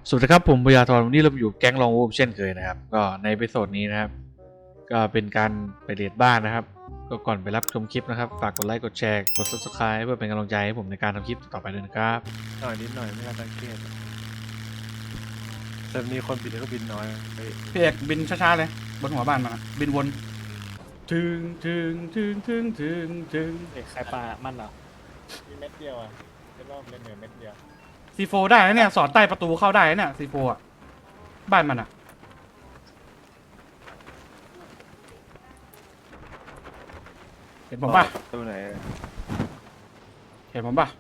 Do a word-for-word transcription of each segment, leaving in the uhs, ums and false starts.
สวัสดีครับผมปยาธรวันนี้เราอยู่แก๊งลองวูฟเช่นเคยนะครับก็ในเอพิโซดนี้นะครับก็เป็นการไปเดทบ้านนะครับก็ก่อนไปรับชมคลิปนะครับฝากกดไลค์กดแชร์กด ซับสไครบ์ เพื่อเป็นกำลังใจให้ผมในการทำคลิปต่อไปด้วยนะครับหน่อยนิดหน่อยไม่น่าสังเกตแต่มีคนบินก็บินน้อยเฮ้ยพี่เอกบินช้าๆเลยบนหัวบ้านมันอะบินวนถึงถึงถึงถึงถึงถึงเด็กใครปลามันเหรอมีเม็ดเดียวอ่ะเป็นรอบเล่นเหนือเม็ดเดียวซีโฟได้นะเนี่ยสอดใต้ประตูเข้าได้นะเนี่ยซีโฟอ่ะบ้านมันอ่ะเห็นผมป่ะตัวไหนเห็นผมป่ะ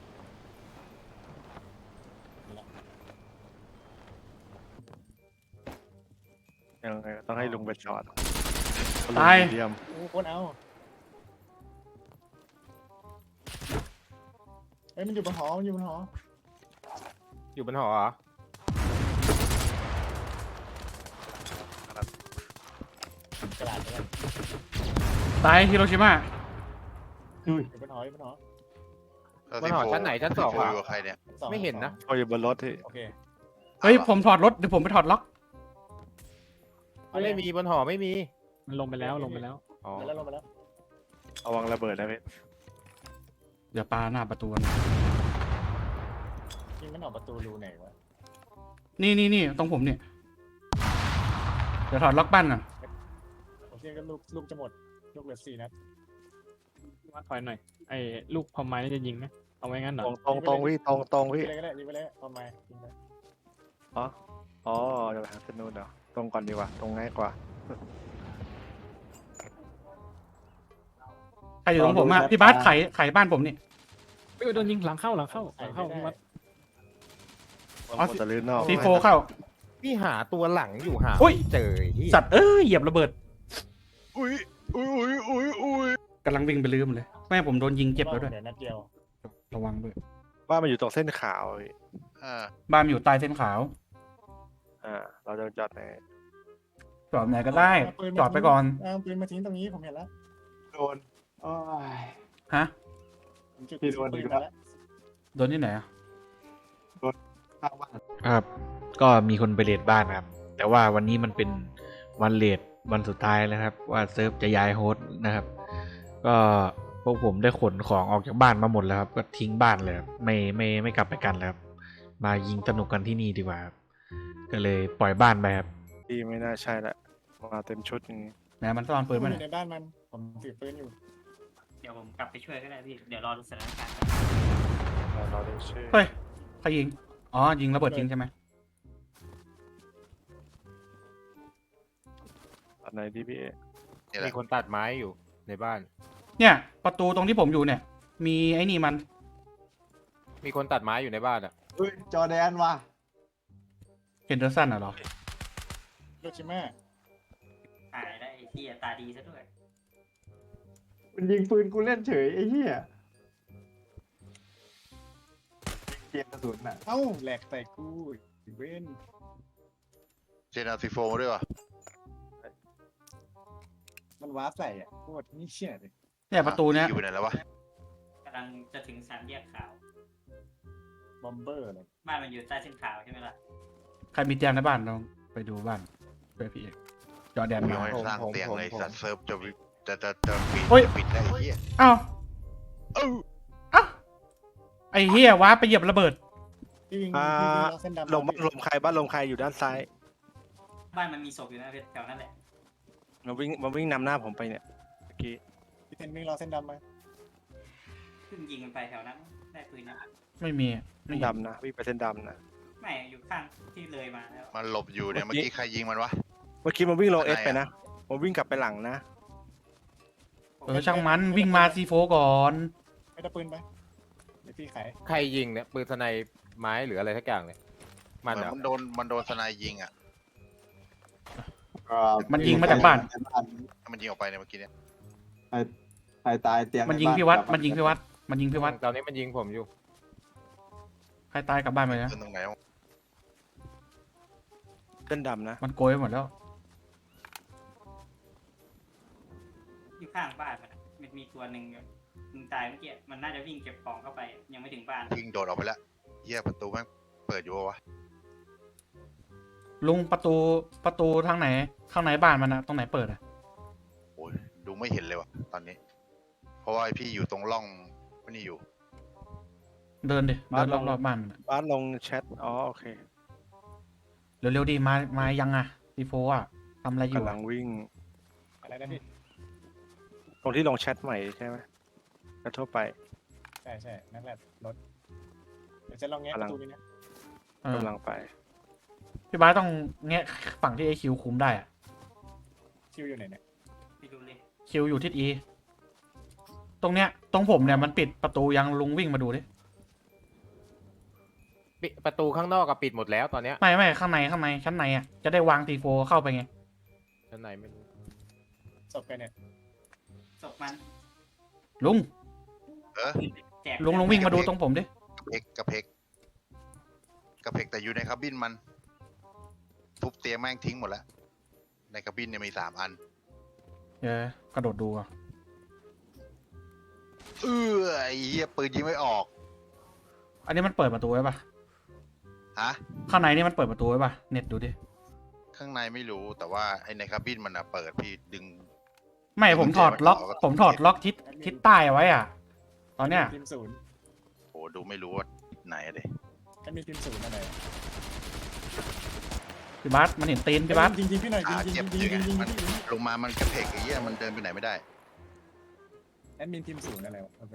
ยังไงต้องให้ลุงไปช็อตตายเยี่ยมโอ้คนเอาเฮ้ยมันอยู่บนหอมันอยู่บนหออยู่บนหอเหรอกระดาษเลยตายฮิโรชิมาอยู่บนหออยู่บนหอบนหอชั้นไหนชั้นสองคุอ่ะยกับใครเนี่ยสองไม่เห็นนะพออยู่บนรถที่โอเคเฮ้ยผมถอดรถเดี๋ยวผมไปถอดล็อกไม่มีบนหอไม่มีมันลงไปแล้วลงไปแล้วอ๋อลงมาแล้วลงมาแล้วเอาวางระเบิดได้ไหมเดี๋ยวปาหน้าประตูนะยิงมันออกประตูรูไหนวะนี่นี่นี่ตรงผมเนี่ยเดี๋ยวถอดล็อกบ้านก่อนโอเคก็ลูกลูกจะหมดลูกเหลือสี่นัดว่าถอยหน่อยไอ้ลูกพอมไม้นี่จะยิงไหมเอาไว้งั้นเหรตอรงตรงตรงพี่ตรงตรงยิพี่งไปเลยก็ได้ยิงไปเลยทำไมยิงไปอ๋ออ๋อเดี๋ยวไปหาสนุนเดี๋ยวตรงก่อนดีกว่าตรงง่ายกว่าใครอยู่ตรงผมอ่ะพี่บาสไขไขบ้านผมนี่เฮ้ยโดนยิงหลังเข้าหลังเข้าหลังเข้าพี่วัดมันหมดแต่ลื่นนอกซีโฟเข้าพี่หาตัวหลังอยู่หาอุ๊ยไม่เจอที่สัตว์เอ้ยเหยียบระเบิดอุ้ยอุ้ยอุ้ยอุ้ยอุ้ยกำลังวิ่งไปลืมเลยแม่ผมโดนยิงเจ็บแล้วด้วยเหลือนัดเดียวระวังด้วยว่ามันอยู่ตรงเส้นขาวพี่อ่าบ้านมันอยู่ใต้เส้นขาวอ่าเราจะจอดไหนจอดไหนก็ได้จอดไปก่อนเอาปืนมาทิ้งตรงนี้ผมเห็นแล้วโดนโอ้ยฮะผมจุดพี่โดนปือีนกแล้มาว แล้วโดนที่ไหนอะข้างบ้านครับก็มีคนไปเดทบ้านนะครับแต่ว่าวันนี้มันเป็นวันเลทวันสุดท้ายแล้วครับว่าเซิร์ฟจะย้ายโฮสต์นะครับก็พวกผมได้ขนของออกจากบ้านมาหมดแล้วครับก็ทิ้งบ้านเลยครับไม่ไม่ไม่กลับไปกันแล้วครับมายิงสนุกกันที่นี่ดีกว่าครับก็เลยปล่อยบ้านไปครับพี่ไม่น่าใช่ละมาเต็มชุดอย่างนี้ไหนมันซ่อนปืนอมายู่เนี่ยในบ้านมันผมถือปืนอยู่เดี๋ยวผมกลับไปช่วยก็ได้พี่ เดี๋ยวรอดูสถานการณ์เราเราดูชื่อเฮ้ยใครยิงอ๋อยิงระเบิดทิ้งใช่ไหมอันไหนดีพี่เอนี่แหมีละคนตัดไม้อยู่ในบ้านเนี่ยประตูตรงที่ผมอยู่เนี่ย มีไอ้นี่มันมีคนตัดไม้อยู่ในบ้านอ่ะเฮ้ยจอแดนว่ะเฮนเดอร์สันอ่ะเหรอโรชิม่าหายได้ไอ้ที่ตาดีซะด้วยมันยิงปืนกูเล่นเฉยไอ้เหี้ยยิงเกมกระสุนน่ะเอ้าแหลกใส่กูอีเวนเจนเอาซีโฟมาด้วยวะมันวาร์ปใส่อ่ะโคตรนี่เชี่ยเลยเนี่ยประตูเนี้ยอยู่ไหนแล้ววะกำลังจะถึงสามแยกขาวบอมเบอร์เลยบ้านมันอยู่ใต้เส้นขาวใช่ไหมล่ะใครมีเตียงในบ้านลองไปดูบ้านเพื่อพี่เอกจอแดนกูมายังไม่สร้างเตียงเลยสัตว์เซิร์ฟจะวิจะจะจะปิดเฮ้ยปิดได้ไอ้เหี้ยอ้าวเอ้าอ้าวไอ้เฮียว้าไปเหยียบระเบิดพี่วิ่งอ่าพี่วิ่งรอบเส้นดำลมลมใครบ้านลมใครอยู่ด้านซ้ายบ้านมันมีศพอยู่นะเพชรแถวนั้นแหละมาวิ่งมาวิ่งนำหน้าผมไปเนี่ยเมื่อกี้พี่เทนวิ่งรอบเส้นดำมาขึ้นยิงมันไปแถวนั้นได้ปืนนะไม่มีไม่เห็นดำนะวิ่งไปเส้นดำนะไม่อยู่ข้างที่เลยมาแล้วมันหลบอยู่เนี่ยเมื่เมื่ออกี้กี้ใครยิงมันวะเมื่อกี้มันวิ่งลงอะเอไรสอะไปนะมันวิ่งกลับไปหลังนะเออช่างมันวิ่งมาซีโฟก่อนไม่ได้ปืนไปเดี๋ยวพี่ไขใครยิงเนี่ยปืนสไนไม้หรืออะไรทักอย่างเนี่ยมันเหรอมันโดนมันโดนสไนยิงอ่ะเอ่อมันยิงมาจากบ้านมันยิงออกไปเนี่ยเมื่อกี้เนี่ยใครตายเตียงมันยิงใบ้าพี่วัดกลับามันยิงพี่วัดมันยิงพี่วัดตอนนี้มันยิงผมอยู่ใครตายกลับบ้านไปนะขึ้นตรงไหนวะเส้นดำนะมันโกยไปหมดแล้วอยู่ข้างบ้านมันอะมันมีตัวหนึ่งอยู่มึงตายเมื่อกี้มันน่าจะวิ่งเก็บของเข้าไปยังไม่ถึงบ้านยิงโดดออกไปแล้วเหี้ยประตูแม่งเปิดอยู่วะลุงประตูประตูทางไหนข้างในบ้านมันอะตรงไหนเปิดอะโอ้ยดูไม่เห็นเลยว่ะตอนนี้ เพราะว่าไอ้พี่อยู่ตรงร่องนี่อยู่เดินดิเดินรอบรอบบ้านมันอะบ้านลงแชทอ๋อโอเคเร็วๆดิมามายังอะซีโฟอะทำอะไรอยู่กำลัอะงวิ่งอะไรนะพี่ตรงที่ลงแชทใหม่ใช่ไหมก็ทั่วไปใช่ใช่นั่นแหละรถเดี๋ยวจะลองแงะกำปลังระตูนี้นะเออกำลังไปพี่บ้าสต้องแงะฝั่งที่ไอคิวคุมได้อะคิวอยู่ไหนเนี่ยไปดูเลยคิวอยู่ทิศอีตรงเนี้ยตรงผมเนี่ยมันปิดประตูยังลุงวิ่งมาดูดิปิดประตูข้างนอกก็ปิดหมดแล้วตอนเนี้ยไม่ไม่ข้างในข้างในชั้นในอะจะได้วางทีโฟเข้าไปไงชั้นในไม่รู้ศพไปเนี่ยศพมันลุงเออแจกลุงลุงวิ่งมาดูตรงผมดิกระเพกกระเพกกระเพกแต่อยู่ในคาบินมัน ทุบเตียงแม่งทิ้งหมดแล้ว ในคาบินเนี่ยมีสามอันเดี๋ยวกระโดดดูอะเออไอ้เหี้ยปืนยิงไม่ออกอันนี้มันเปิดประตูไว้ปะฮะข้างในนี่มันเปิดประตูไว้ปะเน็ตดูดิข้างในไม่รู้แต่ว่าไอ้ในคาบินมันอะเปิดพี่ดึงไม่ผมถอดล็อก ผมถอดล็อกทิศทิศใต้เอาไว้อะตอนเนี้ยทีมศูนย์โอ้ดูไม่รู้ว่าไหนอะเด็แอดมินทีมศูนย์อะไรพี่บัสมันเห็นตีนพี่บัสยิงยิงพี่หน่อยยิงขายิงเจ็บยิงอยิยู่งไงยิงมันยิงลงมามันกระเพกไอ้เหี้ยมันเดินไปไหนไม่ได้แอดมินทีมศูนย์อะไรวะโอเค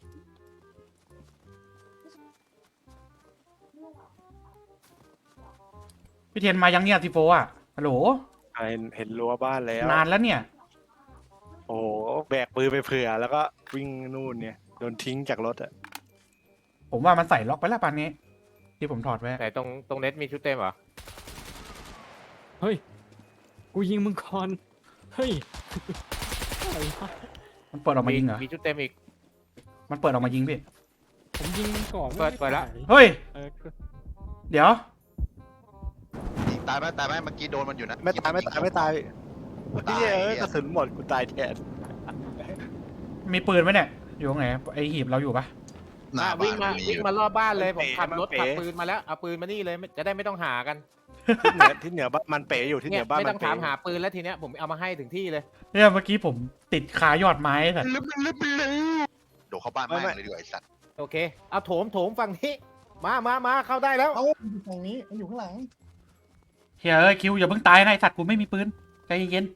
พี่เทียนมายังเนี่ยทีโฟอะฮัลโหลเห็นเห็นรั้วบ้านแล้วนานแล้วเนี่ยโอ้โหแบกปืนไปเผื่อ แล้วก็วิ่งนู่นเนี่ยโดนทิ้งจากรถอะผมว่ามันใส่ล็อกไปแล้วปานนี้ ที่ผมถอดไว้ไหนตรงตรงเน็ตมีชุดเต็มเหรอเฮ้ย กูยิงมึงก่อน เฮ้ยอะไรวะมันเปิดออกมายิงเหรอมีชุดเต็มอีกมันเปิดออกมายิงพี่ผมยิงมึงก่อนเปิดเปิดละเฮ้ยเออเดี๋ยวยิงตายไหมตายไหมเมื่อกี้โดนมันอยู่นะไม่ตายไม่ตายไม่ตายพี่เอ้ยกระสุนหมดกูตายแทนมีปืนไหมเนี่ย อยู่ตรงไหนไอหีบเราอยู่ปะหน้าอ่ะบ้าวิ่งนมามีอวิ่งยู่มารอบบ้านเลยผมขับรถเป๋ขับปืนมาแล้วเอาปืนมานี่เลยไม่จะได้ไม่ต้องหากันที่เหนือที่เหนือบ้านมันเป๋อยู่ที่เหเนี่นืยอบ้านไม่มัต้อน งเป๋ถามหาปืนแล้วทีเนี้ยผมเอามาให้ถึงที่เลยเนี่ยเมื่อกี้ผมติดคายอดไม้สัตว์ลึบลึบลึบโดดเข้าบ้านแม่งเลยดีกว่าไอ้สัตว์โอเคเอาโถมโถมฝั่งนี้มามามาเข้าได้แล้วเอ้าอยู่ฝั่งนี้มันอยู่ข้างหลังเฮ้ยเอ้ยคิวอย่าเพิ่งตายนะไอสัตว์กูไม่มีปืนใจเย็น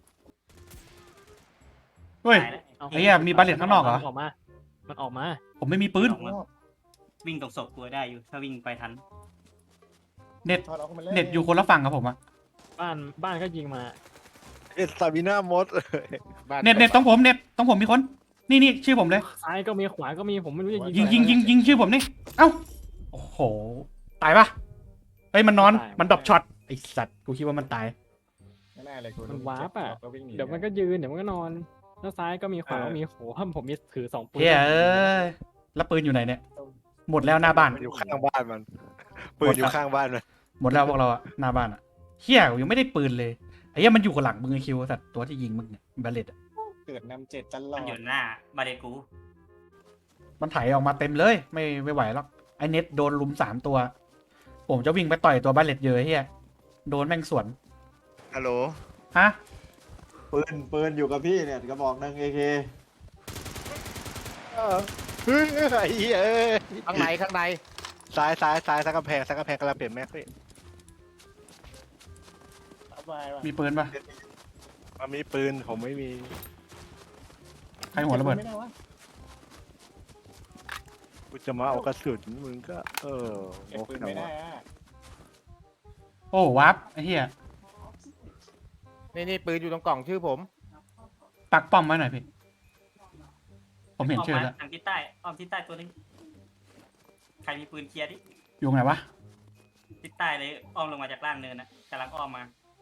ๆเฮ้ยตายแล้วเอาไอ้เหี้ยมีบาเลตข้างนอกเหรอมันออกมา มันออกมาผมไม่มีปืนออกมาวิ่งตรงศพกูได้อยู่ ถ้าวิ่งไปทันเน็ตถอดออกมาเลยเน็ตอยู่คนละฝั่งกับผมอะบ้านบ้านก็ยิงมาเอ็ดซาบิน่ามดบ้านเน็ตเน็ตต้องผมเน็ตต้องผมมีคน นี่นี่ชื่อผมเลยซ้ายก็มีขวาก็มีผมไม่รู้จะยิยิงงยิงยิงยิงชื่อผมนี่ เอ้า โอ้โห ตายปะเฮ้ยมันนอน มันดรอปช็อต ไอสัตว์ กูคิดว่ามันตายไม่น่าเลยกูมันวาร์ปอ่ะก็วิ่งหนีเดี๋ยวมันก็ยืนเดี๋ยวมันก็นอน แล้วซ้ายก็มีขวาก็มีโหผมมีถือสองปืนเฮ้ยเอ้ย แล้วปืนอยู่ไหนเนี่ย หมดแล้วหน้าบ้านมันอยู่ข้างบ้านมันปืนอยู่ข้างบ้านมันหมดแล้วพวกเราอะหน้าบ้านอะเฮียกูยังไม่ได้ปืนเลย ไอ้เหี้ยมันอยู่กับหลังมึงไอคิวสัตว์ตัวที่ยิงมึงเนี่ยบาเลตอะเกิดนำเจ็ดตลอมันดอยู่หน้าบาเดกูมันไถออกมาเต็มเลย ไม่ไม่ไหวหรอก ไอเน็ตโดนลุมสามตัว ผมจะวิ่งไปต่อยตัวบาเลตเยอะเฮียโดนแม่งสวนฮัลโหลฮะปืนปืนอยู่กับพี่เนี่ยกระบอกหนึ่งเอเคเฮ้ยไอ้เหี้ยเอ้ยข้างในข้างในซ้ายซ้ายซ้ายซ้ายกำแพงซ้ายกำแพงกำลังเปลี่ยนแม็กพี่เอาไปว่ะมีปืนปะมันมีปืนผมไม่มีใครหัวระเบิดไม่ได้วะกูจะมาเอากระสุนมึงก็เออเก็บโอ้ปืนโหไม่ได้อะโอ้วับไอ้เหี้ยนี่นี่ปืนอยู่ตรงกล่องชื่อผมปักป้อมไว้หน่อยพี่ ผมเห็นชื่อมาแล้วทางทิศใต้อ้อมทิศใต้ตัวนึงใครมีปืนเคลียร์ดิอยู่ไหนวะทิศใต้เลยอ้อมลงมาจากล่างเนินนะกำลังอ้อมมา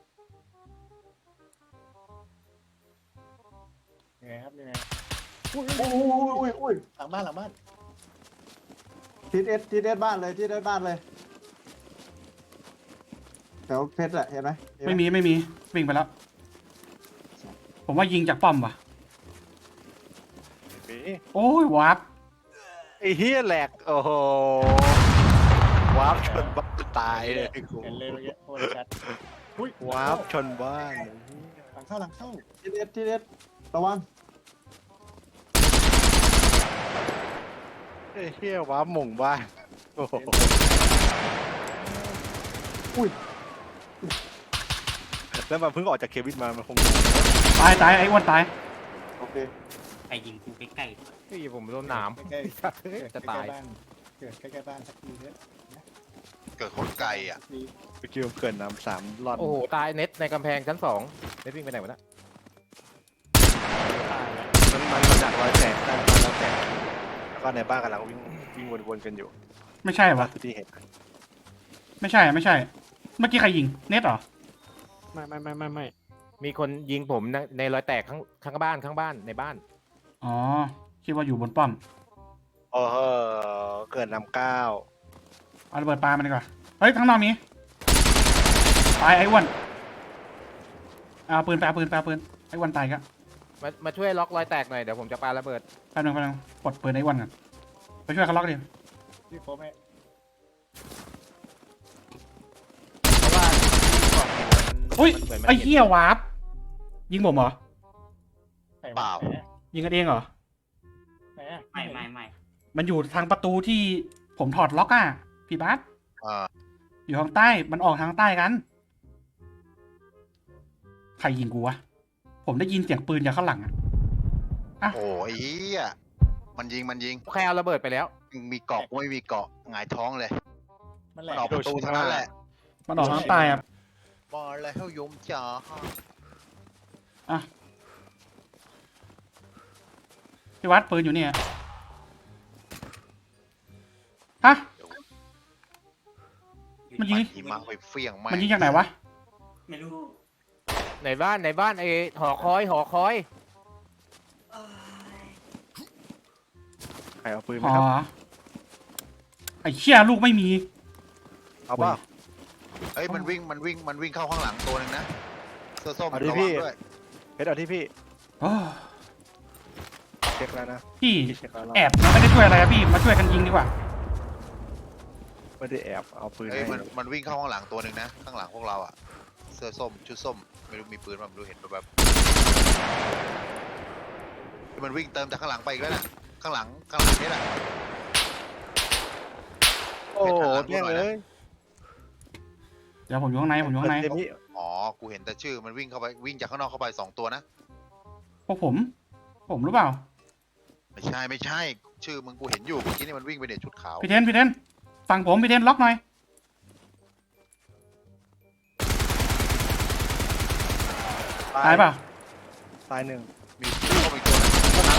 ยังไงครับยังไงอุ้ยอุ้ยอุ้ยอุ้ยหลังบ้านหลังบ้านทิศเอสทิศเอสบ้านเลยทิศเอสบ้านเลยแถวเพชรอะเห็นไหมเห็นหไม่มีไม่มีวิ่งไปแล้ว ผมว่ายิงจากป้อมว่ะมีโอ้ยวับไอ้เฮียแหลกโอ้โหวาร์ปชนบ้านตายเลยกูเห็นเลยเมื่อกี้โคตรชัดอุ้ยว้าวชนบ้านหลังเข้าหลังเข้าทีเด็ดทีเด็ดระวังเฮ้ยเฮียว้าวหม่งบ้านโอ้โหอุ้ยแล้วมันเพิ่งออกจากเควินมามันคงตายตายไอ้อ้วนตายโอเคไปยิงกูใกล้เฮ้ยผมโดนหนามใกล้ๆจะตายใกล้ๆบ้านเกิดใกล้ๆบ้านสักทีเถอะเกิดคนไกลอ่ะดีไปคิวเกินน้ำสามรอดโอ้โหตายเน็ตในกำแพงชั้นสองเน็ตวิ่งไปไหนวะเนะมันมันมาจากรอยแตกได้รอยแตกแล้วก็ในบ้านกำลังวิ่งวิ่งวนๆกันอยู่ไม่ใช่ล่าปะสุดที่เห็นไม่ใช่ไม่ใช่ เมื่อกี้ใครยิงเน็ตเหรอไม่ไม่ไม่ไม่ไม่มีคนยิงผมในในรอยแตกข้างข้างบ้านข้างบ้านในบ้านอ๋อคิดว่าอยู่บนป้อมโอ้โหเกิดน้ำเก้าเอาระเบิดปลามันดีกว่าเฮ้ยข้างนอกมีตายไอ้อ้วนเอาปืนไปเอาปืนไปเอาปืนไอ้อ้วนตายก็มามาช่วยล็อกรอยแตกหน่อยเดี๋ยวผมจะปาระเบิดแป๊บนึงแป๊บนึงปลดปืนไอ้อ้วนก่อนไปช่วยเขาล็อกดิพี่โฟแม่เพราะว่าที่บอกเนี่ยมันอุ้ยมันเหมือนมันไอ้เห็นเหี้ยวาร์ปยิงผมเหรอไหนวะเปล่าไหนอะยิงกันเองเหรอไหนอะๆไม่ไม่ไม่มันอยู่ทางประตูที่ผมถอดล็อกอ่ะพี่บัสอ่าอยู่ทางใต้มันออกทางใต้กันใครยิงกูวะผมได้ยินเสียงปืนจากข้างหลังอ่ะโอ้ยเหี้ยมันยิงมันยิงใครเอาระเบิดไปแล้วมีเกาะกูไม่มีเกาะหงายท้องเลยมันแหลกเกาะประตูเท่านั้นแหละมันออกทางใต้อ่ะบอลแล้วยมจ๋าอ่ะพี่วัดปืนอยู่เนี่ยฮะ มันยิงหิมะไปเฟี้ยงไหมมันยิงจากไหนวะไม่รู้ในบ้านในบ้านไอ้หอคอยหอคอยเอ้ยใครเอาปืนไหมอ๋อครับไอ้เชี่ยลูกไม่มีเอาเปล่าเอ้ยมันวิ่งมันวิ่งมันวิ่งเข้าข้างหลังตัวหนึงนะเสื้อส้มเอาดิระวัพี่งด้วยเพชรเอาที่พี่โอ้เช็คแล้วนะพี่พี่เช็คแล้วแอบมันไม่ได้ช่วยอะไรอะพี่มาช่วยกันยิงดีกว่าไม่ได้แอบเอาปืนเอ้ยให้มันมันวิ่งเข้าข้างหลังตัวหนึ่งนะข้างหลังพวกเราอ่ะเสื้อส้มชุดส้มไม่รู้มีปืนป่ะไม่รู้เห็นแบบๆมันวิ่งเติมจากข้างหลังไปอีกแล้วน่ะข้างหลังข้างหลังนี่แหละโอ้โหเพชรหันหลังเนี่ยเลยเดี๋ยวผมอยู่ข้างในผมอยู่ข้างในเต็มที่อ๋อกูเห็นแต่ชื่อมันวิ่งเข้าไปวิ่งจากข้างนอกเข้าไปสองตัวนะพวกผม ผมหรือเปล่าไม่ใช่ไม่ใช่ชื่อมึงกูเห็นอยู่เมื่อกี้นี่มันวิ่งไปเนี่ยชุดขาวพี่เทนพี่เทนฟังผมพี่เทนล็อกหน่อย ตายเปล่าตายหนึ่งมีชื่อเข้าไปอีกตัวหนึงพวกนั้น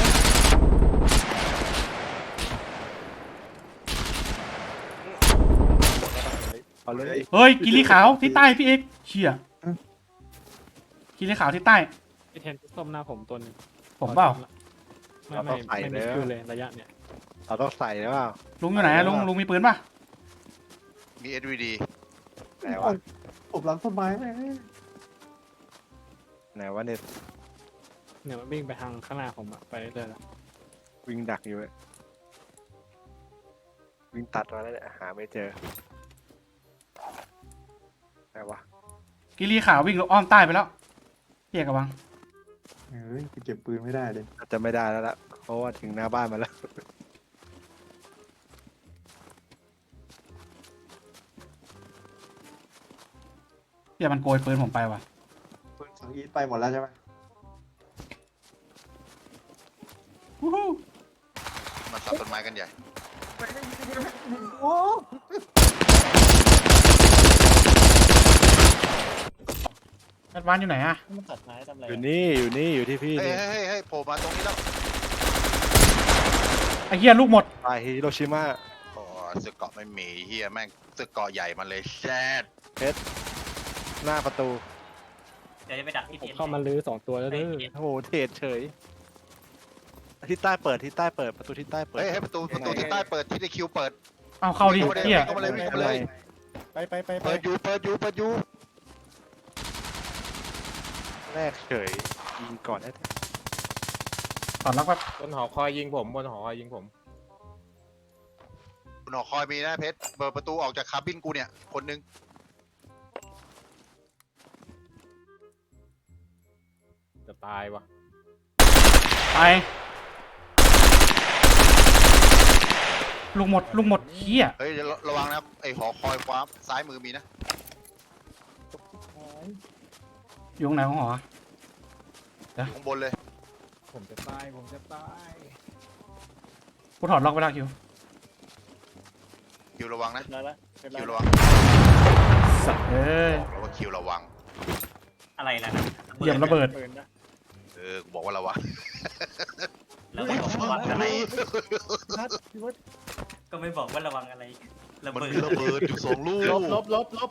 เอาเลยเฮ้ยกิริขาวที่ใต้พี่เอกเชี่ยกิริขาวที่ใต้ไอเทนส้มหน้าผมตัวหนึงผมเปล่าไม่ไม่ไม่มีคิวเลยระยะเนี่ยเราต้องใส่หรือเปล่าลุงอยู่ไหนอะลุงลุงมีปืนป่ะมี เอส วี ดีไหนวะผมหลังต้นไม้แม่งไหนวะเนี่ยเนี่ยมันวิ่งไปทางข้างหน้าผมอะไปเรื่อยๆแล้ววิ่งดักอยู่เลยวิ่งตัดมาแล้วเนี่ยหาไม่เจอไหนวะกิริขาววิ่งลงอ้อมใต้ไปแล้วพี่เอกระวังเฮ้ยกูเก็บปืนไม่ได้เลยอาจจะไม่ได้แล้วล่ะเพราะว่าถึงหน้าบ้านมาแล้วเฮียมันโกยปืนผมไปว่ะปืนสังอีทไปหมดแล้วใช่ไหมวู้ฮู้มันตัดต้นไม้กันใหญ่โอ้แอดวานซ์อยู่ไหนอะมันตัดไม้ทำอะไรอยู่อะนี่อยู่นี่อยู่ที่พี่เฮ้ยนี่เฮ้ยเฮ้ยเฮ้ยโผล่มาตรงนี้แล้วไอ้เฮียลูกหมดตายฮิโรชิมาโอ้เสื้อเกราะไม่มีเฮียแม่งเสื้อเกราะใหญ่มาเลยแซดหน้าประตูเดี๋ยวจะไปดักที่ผมเทนเข้ามาลื้อสองตัวแล้วเด้อโอ้โหเทรดเฉยที่ใต้เปิดที่ใต้เปิดประตูที่ใต้เปิดเฮ้ยให้ประตูประตูที่ใต้เปิดที่ได้คิวเปิดเอาเข้าดิวิ่งเข้ามาเลยเฮียวิ่งเข้ามาเลยวิ่งเข้ามาเลยไปไปไปไปเปิดอยู่เปิดอยู่เปิดอยู่แรกเฉยยิงก่อนแท้ถอดล็อกแบบบนหอคอยยิงผมบนหอคอยยิงผมคุณหอคอยมีนะเพชรเปิดประตูออกจากคาบินกูเนี่ยคนนึงตายว่ะไปลูกหมดลูกหมดเฮียเฮ้ยเดี๋ยวระวังนะไอหอคอยขวาซ้ายมือมีนะอยู่ตรงไหนของหออยู่ข้างบนเลยผมจะตายผมจะตายกูถอดล็อกไปแล้วคิวคิวระวังนะได้ละเรียบร้อคิยวระวังสัตว์เอ้ยบอกแล้วว่าคิวระวังอะไรล่ะนะเหยียบระเบิดปืนนะเออกูบอกว่าระวังแล้วไม่บอกว่าระวังอะไรพัดพี่วัดก็ไม่บอกว่าระวังอะไรระมันเบิดมีระเบิดอยู่สองลูกลบลบลบลบ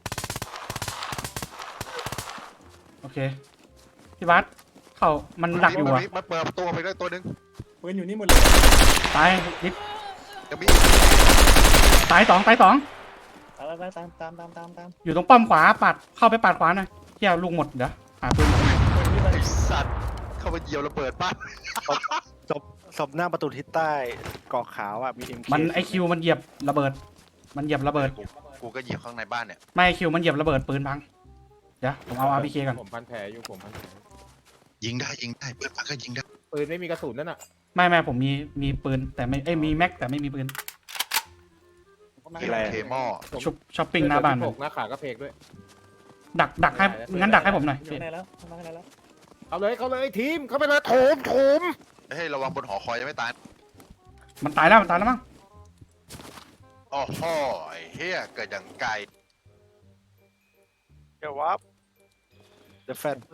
โอเคพี่บัสเข้ามันดักอยู่อ่ะมันเปิดประตูไปได้ตัวหนึงปืนอยู่นี่หมดเลยตายนิดจะมีตายสองตายสองตามตามตามตามตามตามอยู่ตรงป้อมขวาปัดเข้าไปปัดขวาหน่อยเที่ยวลูกหมดเดี๋ยวหาปืนปืนนี่มันไอสัตว์เข้าไปเหยียวระเบิดบ้านศพศพหน้าประตูทิศใต้เกาะขาวอ่ะมีเอ็มมันไอคิวมันเหยียบระเบิด มันเหยียบระเบิดกูกูก็เหยียบข้างในบ้านเนี่ยไม่คิวมันเหยียบระเบิดปืนพังเดี๋ยวผมเอาอาร์พีเคก่อนผมพันแผลอยู่ผมพันแผลยิงได้ยิงได้เปิดปากก็ยิงได้ปืนไม่มีกระสุนนั่นน่ะไม่ไม่ผมมีมีปืนแต่ไม่เอ้ยมีแม็กแต่ไม่มีปืนเกมเคมอชุบช้อปปิ้งหน้าบ้านหมันกหน้าขากระเพกด้วยดักดักให้งั้นดักให้ผมหน่อยอยู่ไหนแล้วทำมาไหนแล้วเอาเลยเขาเลยทีมเข้าไปเลยโถมโถมเฮ้ยระวังบนหอคอยยังไม่ตายมันตายแล้วมันตายแล้วมั้งอ๋อฮอไอ้เฮียเกิดอย่างไกลเดี๋ยววับเดฟแฟน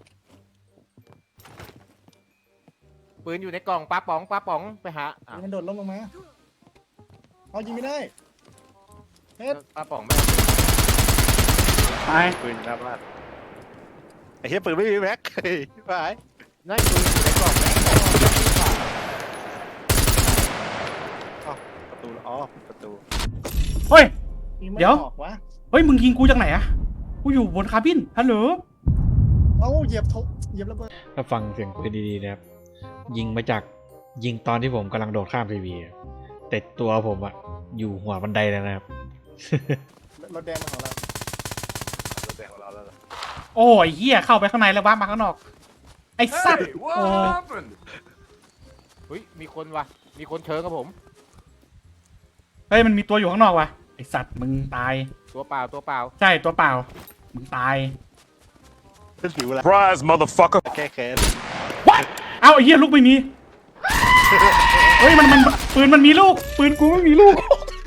ปืนอยู่ในกล่องปลาป๋องปลาป๋องไปหาอ่ะมันโดดลงลงมาเอายิงไม่ได้ปลาป๋องไม่ตายปืนหน้าบ้านไอ้เหี้ยปืนไม่มีแม็กเฮ้ยไปนั่นปืนอยู่ในกล่องแม่งประตูอ๋อประตูเฮ้ยยิงไม่เดี๋ยวออกวะเฮ้ยมึงยิงกูจากไหนอะกูอยู่บนคาบินฮัลโหลเอ้าเหยียบทุกเหยียบระเบิดถ้าฟังเสียงปืนดีๆนะครับ ยิงมาจากยิงตอนที่ผมกำลังโดดข้ามทีวีอะแต่ตัวผมอะอยู่หัวบันไดเลยนะครับรถแดงมาของเรารถแดงของเราแล้วล่ะโอ้ยเหี้ยเข้าไปข้างในแล้วว้ามาข้างนอก ไอ้สัตว์โอ้เฮ้ยมีคนว่ะมีคนเชิญกับผมเฮ้ยมันมีตัวอยู่ข้างนอกว่ะไอ้สัตว์มึงตายตัวเปล่าตัวเปล่าใช่ตัวเปล่ามึงตายเป็นผิวละ Surprise, motherfucker. แก้แค้นเอ้าไอ้เหี้ยลูกไม่มี เฮ้ยมันมันปืนมันมีลูก ปืนกูไม่มีลูก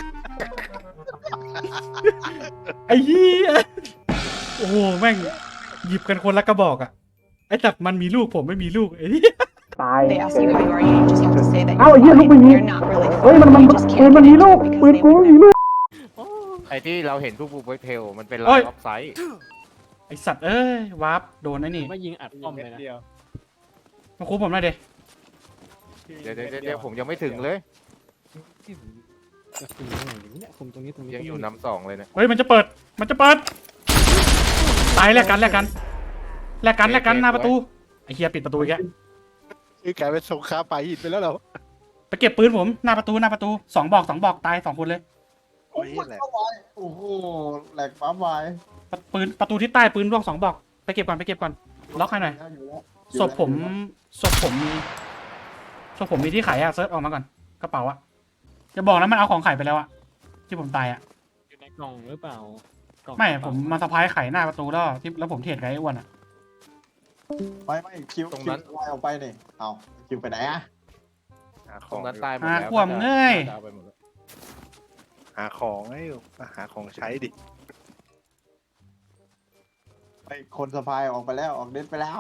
ไอ้เหี้ยโอ้โหแม่งหยิบกันคนละกระบอกอ่ะไอ้จับมันมีลูกผมไม่มีลูกไอ้เหี้ยตาย They ask you how you are, you just have to say that เอ้า you're ไอ้เหี้ยลูก fine. ไม่มี You're not really เฮ้ย fine. มันมัน You just ปืน can't มันมี admit ลูก it because ปืน they กูไม่ wouldn't. มีลูกไอ้ที่เราเห็นทุกบูเวเทลมันเป็นเฮ้ลาย ยออฟไซด์ไอสัตว์เอ้ยวาร์ปโดนไอ้นี่ไม่ยิงอัดป้อมเลยนะเดียวมาคูผมหน่อยเด็เดี๋ยวเดี๋ยวเดี๋ยวผมยังไม่ถึงเลยที่ผมจะคุมตรงไหนอยู่เนี่ยคุมตรงนี้ตรงนี้ยังอยู่นำสองเลยเนี่ยเฮ้ยมันจะเปิด มันจะเปิด ตายแลกกันแลกกันแลกกันแลกกันหน้าประตู ไอ้เฮียปิดประตูอีกแล้วคือกลายเป็นสงครามป่าหินไปแล้วเหรอไปเก็บปืนผมหน้าประตูหน้าประตูสองบอกสองบอกตายสองคนเลยโอ้ยแหละโอ้โหแหลกปั๊มไว้ประปืนประตูที่ใต้ปืนร่วงสองบอกไปเก็บก่อนไปเก็บก่อนล็อกให้หน่อยอยู่แล้วศพผมศพผมมีศพผมมีที่ไขอะเซิร์ชออกมาก่อนกระเป๋าอะจะบอกนะมันเอาของไขไปแล้วอะที่ผมตายอะอยู่ในกล่องหรือเปล่ากล่องไม่ผมมาสะพายไขหน้าประตูแล้วที่แล้วผมเทรดกับไอ้อ้วนอะไม่ไม่คิวคิวลอยออกไปนี่เอาคิวไปไหนอะหาขตรองงนั้นตายหมดหาแล้วขวมเงยจะเอาไปหมดแล้วหาของให้อยู่หาของใช้ดิไปคนสะพายออกไปแล้วออกเด็ดไปแล้ว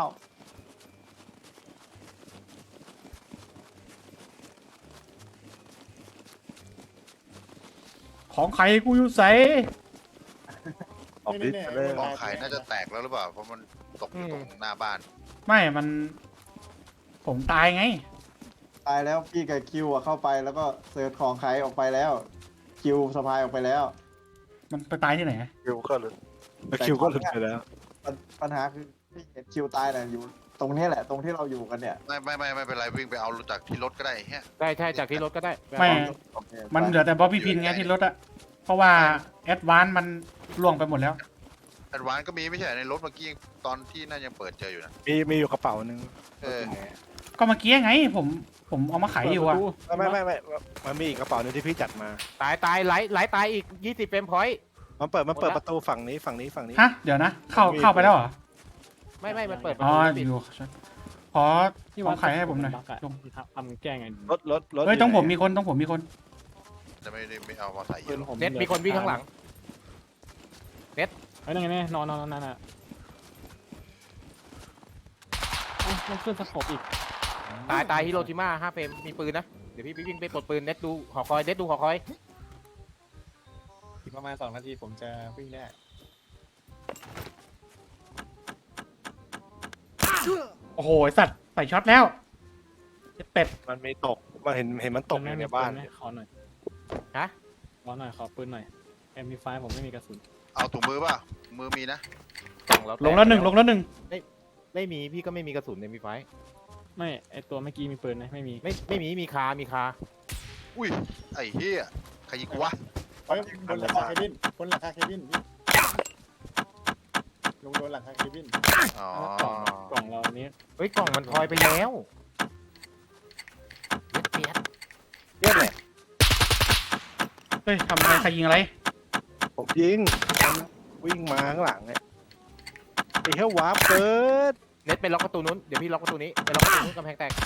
ของไขกูอยู่ใสออกดิสเลยกองไข่น่าจะแตกแล้วหรือเปล่าเพราะมันตกอยู่ตรงหน้าบ้านไม่มัน ผมตายไงตายแล้วพี่กับคิวอะเข้าไปแล้วก็เสิร์ชของใครออกไปแล้ว คิวสะพายออกไปแล้วมันไปตายที่ไหนคิวก็หลุดคิวก็หลุดไปแล้วปัญปัญหาคือพี่เห็นคิวตายน่ะอยู่ตรงนี้แหละ ตรงที่เราอยู่กันเนี่ยไม่ไม่ไม่ไม่เป็นไรวิ่งไปเอาจากที่รถก็ได้เฮียได้ใช่จากที่รถก็ได้ไม่โอเคมันเหลือแต่บ๊อบบี้พินไงที่รถอะเพราะว่าแอดวานมันล่วงไปหมดแล้วแอดวานก็มีไม่ใช่เหรอในรถเมื่อกี้ตอนที่น่ายังเปิดเจออยู่นะมีมีอยู่กระเป๋าหนึ่งเออก็เมื่อกี้ไง ผมผมเอามาขายอยู่อะไม่ไม่ไม่ไม่มันมีอีกกระเป๋าหนึ่งที่พี่จัดมาตายตายไหลไหลตายอีกยี่สิบเฟรมพอยต์มันเปิดมันเปิดหมดละประตูฝั่งนี้ฝั่งนี้ฝั่งนี้ฮะเดี๋ยวนะ เข้าเข้าไปแล้วเหรอไม่ไม่มันเปิดประอ๋อตูไม่ปิดอยู่ขอของขายให้ผมหน่อยบักอะลงทำแก้ไงรถรถรถเฮ้ยต้องผมมีคนต้องผมมีคนจะไม่ได้ไม่เอามาใส่เยปืนอะหรอกผมเน็ตมีคนวิ่งข้างหลังเฮ้ยนั่นไงเนี่ยนอนนอนนอนนั่นน่ะเอ้ามันขึ้นสโคปอีกตายตายฮิโรชิมาห้าเฟรมมีปืนนะเดี๋ยวพี่วิ่งไปปลดปืนเน็ตดูหอคอยเน็ตดูหอคอยอีกประมาณสองนาทีผมจะวิ่งได้โอ้โหไอ้สัตว์ใส่ช็อตแล้วเป็ดมันมีตกมันเห็นเห็นมันตกอยู่ในบ้านปืไหมขอหน่อยฮะขอหน่อยขอปืนหน่อย เอ็ม พี ไฟว์ ผมไม่มีกระสุนเอาถุงมือป่ะมือมีนะกล่องเราลงแล้วหนึ่งลงแล้วหนึ่งไม่มีพี่ก็ไม่มีกระสุนในมีไฟไม่ไอตัวเมื่อกี้มีปืนไหมไม่มีไม่ไม่มีมีคามีคาอุ้ยไอ้เหี้ยใครยิงกูวะเฮ้ยบนหลังคาเคบินบนหลังคาเคบินพี่ลงโดนหลังคาเคบินอ๋อกล่องกล่องเราอันนี้เฮ้ยกล่องมันทอยไปแล้วเปียดเรียกแหละเฮ้ยทำอะไรใครยิงอะไรผมยิงมันวิ่งมาข้างหลังเนี่ยไอ้เหี้ยวาร์ปเปิดเน็ตไปล็อกประตูนู้นเดี๋ยวพี่ล็อกประตูนี้ไปล็อกประตูนู้นกำแพงแตก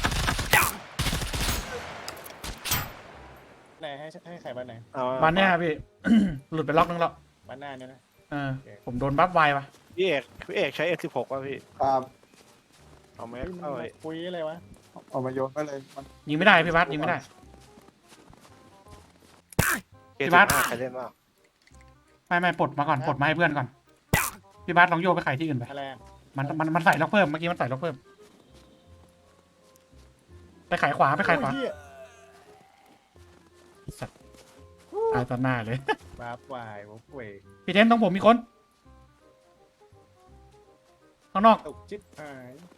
ไหนให้ให้ใครบ้านไหนเอาบ้านเนี้ยพี่ หลุดไปล็อกนึงแล้วบ้านหน้าเนี่ยนะเออผมโดนบัฟไวว่ะพี่เอกพี่เอกใช้ เอ สิบหก ป่ะพี่ครับเอาไหมเฮ้ยมันเอาไว้คุยอะไรวะเอามาโยนไปเลยมันยิงไม่ได้พี่บัสยิงไม่ได้เกพี่สิบัสบห้าใครเล่นบ้างไม่ไม่ปลดมาก่อนปลดมาให้เพื่อนก่อนพี่บัสลองโยกไปขายที่อื่นไปอะไรอะมันมันมันใส่ล็อกเพิ่มเมื่อกี้มันใส่ล็อกเพิ่มไปขายขวาไปขายขวาโอ้เหี้ยสัตว์ตายต่อหน้าเลยบาปวายวกเวกพี่เทนต้องผมมีคนข้างนอกตกจิ๊บหาย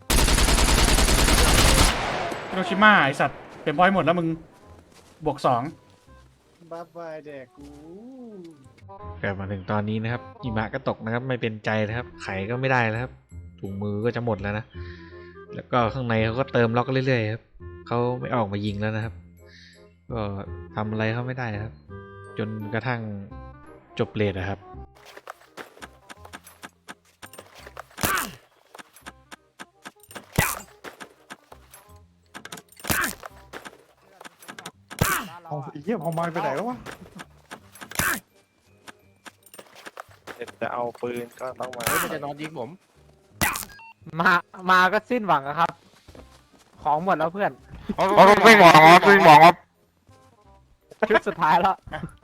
ฮิโรชิมาไอสัตว์เป็นพอยต์หมดแล้วมึงบวกสองบาปวายแดกกูกลับมาถึงตอนนี้นะครับหิมะก็ตกนะครับ ไม่เป็นใจนะครับ ไขก็ไม่ได้แล้วครับถุงมือก็จะหมดแล้วนะ แล้วก็ข้างในเขาก็เติมล็อกเรื่อยๆครับเขาไม่ออกมายิงแล้วนะครับ ก็ทำอะไรเขาไม่ได้ครับ จนกระทั่งจบเลทนะครับเอาไอ้เหี้ยพอมาไปไหนแล้ววะจะเอาปืนก็ต้องมาเฮ้ยมันจะนอนยิงผมมา มาก็สิ้นหวังอะครับ ของหมดแล้วเพื่อนไม่หมอไม่หมอชุดสุดท้ายแล้ว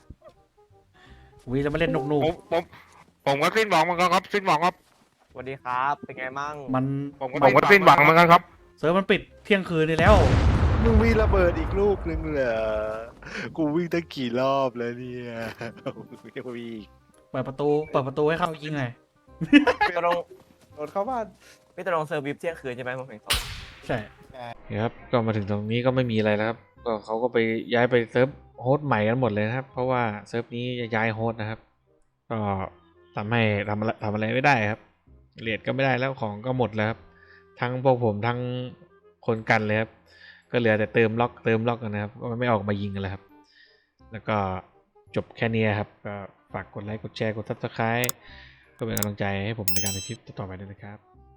วีจะมาเล่นนุกนูกผมผมผมก็สิ้นหวังเหมือนกันครับสิ้นหวังครับสวัสดีครับ เป็นไงมั่งมันผมก็สิ้นหวังเหมือนกันครับเซิร์ฟมันปิดเที่ยงคืนนี่แล้วมึงมีระเบิดอีกลูกนึงเหรอกูวิ่งตั้งกี่รอบแล้วเนี่ยยังมีอีกเปิดประตูเปิดประตูให้เข้ายิงหน่อยพี่ตรงโดนเข้าบ้านพี่ตรงเซอร์วิสเที่ยงคืนใช่ไหมผมเห็นเขาใช่นะครับก็มาถึงตรงนี้ก็ไม่มีอะไรแล้วครับก็เขาก็ไปย้ายไปเซิร์ฟโฮสต์ใหม่กันหมดเลยนะครับ เพราะว่าเซิร์ฟนี้จะย้ายโฮสต์นะครับ ก็ทำให้ทำอะไรทำอะไรไม่ได้ครับเรียดก็ไม่ได้แล้วของก็หมดแล้วครับทั้งพวกผมทั้งคนกันเลยครับก็เหลือแต่เติมล็อกเติมล็อกกันนะครับก็ไม่ออกมายิงกันแล้วครับ แล้วก็จบแค่นี้ครับก็ฝากกดไลค์กดแชร์กดซับสไครต์ก็เป็นกำลังใจให้ผมในการทำคลิปต่อๆไปด้วยนะครับ